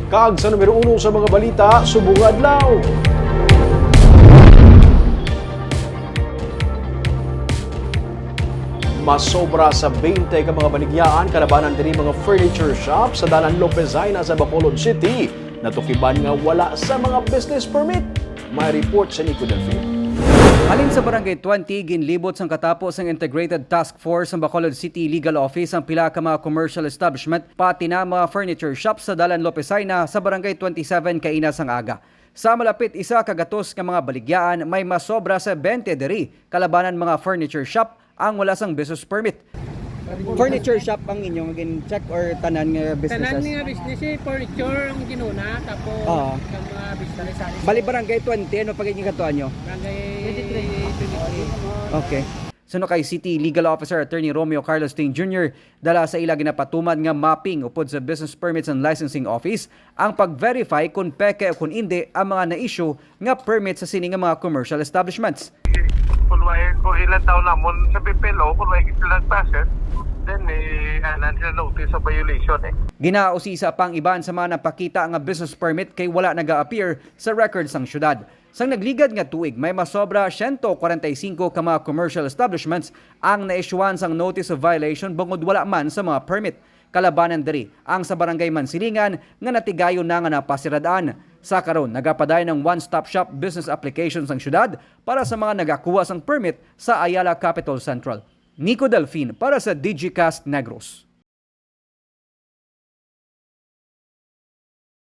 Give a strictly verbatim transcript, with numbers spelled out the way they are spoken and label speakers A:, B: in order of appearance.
A: Kag sa numero uno sa mga balita, subong adlaw. Masobra sa twenty ka mga baligyaan kalabanan diri mga furniture shop sa Dalan Lopezina sa Bacolod City. Natukiban nga wala sa mga business permit. May report sa Nico Delfin.
B: Halin sa Barangay twenty, ginlibot sang katapos ang Integrated Task Force sa Bacolod City Legal Office ang pila ka mga commercial establishment pati na mga furniture shops sa Dalan Lopezina sa Barangay twenty-seven kaina sang aga. Sa malapit isa kagatos nga mga baligyan may masobra sa twenty diri kalabanan mga furniture shop ang wala sang business permit. Furniture shop ang inyong gin-check or tanan nga businesses?
C: Tanan nga business eh, furniture ang ginuna, tapos
B: Oo.
C: ang mga business sa
B: Bali Barangay twenty, ano pagiging katuan nyo?
C: Barangay twenty-three.
B: Okay. Suno kay City Legal Officer Attorney Romeo Carlos Ting Junior dala sa ila ginapatuman nga mapping upod sa Business Permits and Licensing Office ang pag-verify kung peke o kung hindi ang mga na-issue nga permit sa sini nga mga commercial establishments.
D: Kung may kung ilan taon namon sa P P L O, kung may ilang passes, then eh, anan sila notice of violation eh.
B: Ginausisa pang iban sa mga napakita nga business permit kay wala naga-appear sa records sang syudad. Sang nagligad nga tuig, may masobra one hundred forty-five ka mga commercial establishments ang na-issuean sang notice of violation bangod wala man sa mga permit. Kalabanan diri ang sa Barangay Mansilingan nga natigayon na nga napasiradaan. Sa karon, nagapaday ng one-stop shop business applications ang syudad para sa mga nagakuha sang permit sa Ayala Capital Central. Nico Delfin para sa Digicast Negros.